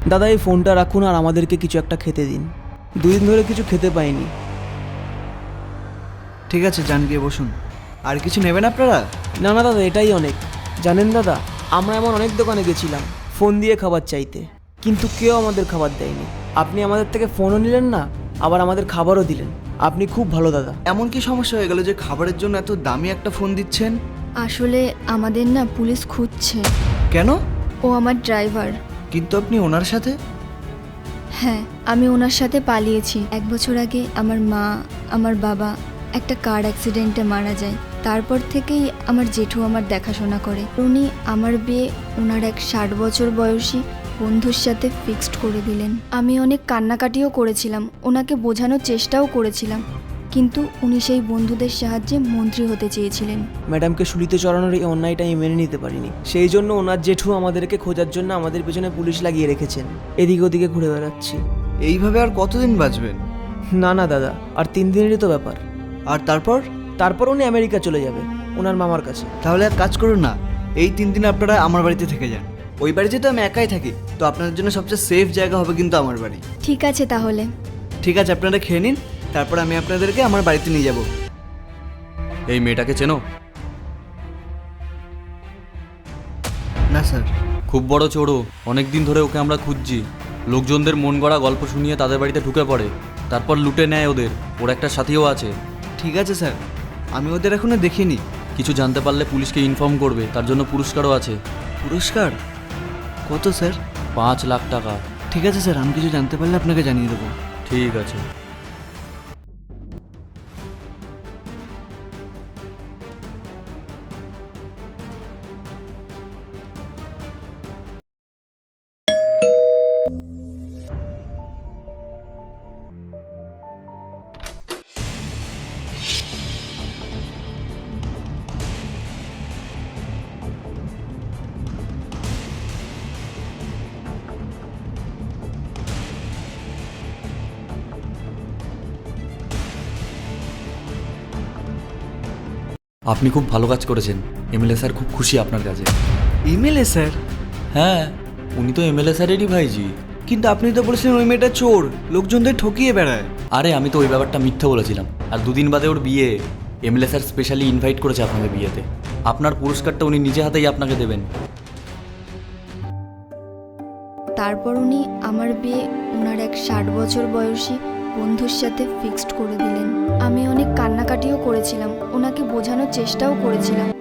দাদা এই ফোনটা রাখুন আর আমাদেরকে কিছু একটা খেতে দিন। 2 দিন ধরে কিছু খেতে পাইনি। ঠিক আছে, যান গিয়ে বসুন। আর কিছু নেবেন আপনারা? না না দাদা, এটাই অনেক। জানেন দাদা, আমরা এমন অনেক দোকানে গেছিলাম ফোন দিয়ে খাবার চাইতে, কিন্তু কেউ আমাদের খাবার দেয়নি। আপনি আমাদের থেকে ফোনও নিলেন না, আবার আমাদের খাবারও দিলেন। আপনি খুব ভালো দাদা। এমন কি সমস্যা হয়ে গেল যে খাবারের জন্য এত দামি একটা ফোন দিচ্ছেন? আসলে আমাদের না পুলিশ খুঁজছে। কেন? ও আমার ড্রাইভার। কিন্তু আপনি ওনার সাথে? হ্যাঁ, আমি ওনার সাথে পালিয়েছি। 1 বছর আগে আমার মা, আমার বাবা একটা কার অ্যাক্সিডেন্টে মারা যায়। তারপর থেকেই আমার জেঠু আমার দেখাশোনা করে। উনি আমার বিয়ে ওনার এক 60 বছর বয়সী বন্ধুর সাথে ফিক্সড করে দিলেন। আমি অনেক কান্নাকাটিও করেছিলাম, ওনাকে বোঝানোর চেষ্টাও করেছিলাম, কিন্তু উনি সেই বন্ধুদের সাহায্যে মন্ত্রী হতে চেয়েছিলেন। ম্যাডামকে শুলিতে চড়ানোর এই অন্যায়টা আমি মেনে নিতে পারিনি। সেই জন্য ওনার জেঠু আমাদেরকে খোঁজার জন্য আমাদের পেছনে পুলিশ লাগিয়ে রেখেছেন। এদিকে ওদিকে ঘুরে বেড়াচ্ছি। এইভাবে আর কতদিন বাঁচবেন? না না দাদা, আর 3 দিনেরই তো ব্যাপার। আর তারপর? তারপর উনি আমেরিকা চলে যাবে ওনার মামার কাছে। তাহলে এক কাজ করুন না, এই 3 দিন আপনারা আমার বাড়িতে থেকে যান। ওই বাড়িতে তো আমি একাই থাকি, তো আপনাদের জন্য সবচেয়ে সেফ জায়গা হবে কিন্তু আমার বাড়ি। ঠিক আছে তাহলে। ঠিক আছে, আপনারা খেয়ে নিন, তারপর আমি আপনাদেরকে আমার বাড়িতে নিয়ে যাব। এই মেয়েটাকে চেনো? না স্যার। খুব বড় চোরো, অনেক দিন ধরে ওকে আমরা খুঁজছি। লোকজনদের মন গড়া গল্প শুনিয়ে তাদের বাড়িতে ঢুকে পড়ে, তারপর লুটে নেয় ওদের। ওর একটা সাথীও আছে। ঠিক আছে স্যার, আমি ওদের এখনো দেখিনি। কিছু জানতে পারলে পুলিশকে ইনফর্ম করবে, তার জন্য পুরস্কারও আছে। পুরস্কার কত স্যার? 5 লাখ টাকা। ঠিক আছে স্যার, আমি কিছু জানতে পারলে আপনাকে জানিয়ে দেবো। ঠিক আছে। আপনি খুব ভালো কাজ করেছেন। এমএলএ স্যার খুব খুশি আপনার কাছে। MLA sir? হ্যাঁ, উনি তো এমএলএ স্যারেরই ভাইজি। কিন্তু আপনি তো বলেছিলেন ওই মেয়েটা চোর, লোকজনদের ঠকিয়ে বেড়ায়। আরে আমি তো ওই ব্যাপারটা মিথ্যে বলেছিলাম। আর 2 দিন বাদে ওর বিয়ে। এমএলএ স্যার স্পেশালি ইনভাইট করেছে আপনাদের বিয়েতে। আপনার পুরস্কারটা উনি নিজে হাতেই আপনাকে দেবেন। তারপর উনি আমার বিয়ে ওনার এক 60 বছর বয়সী বন্ধুর সাথে ফিক্সড করে দিলেন। আমি অনেক কান্নাকাটিও করেছিলাম, ওনাকে বোঝানোর চেষ্টাও করেছিলাম,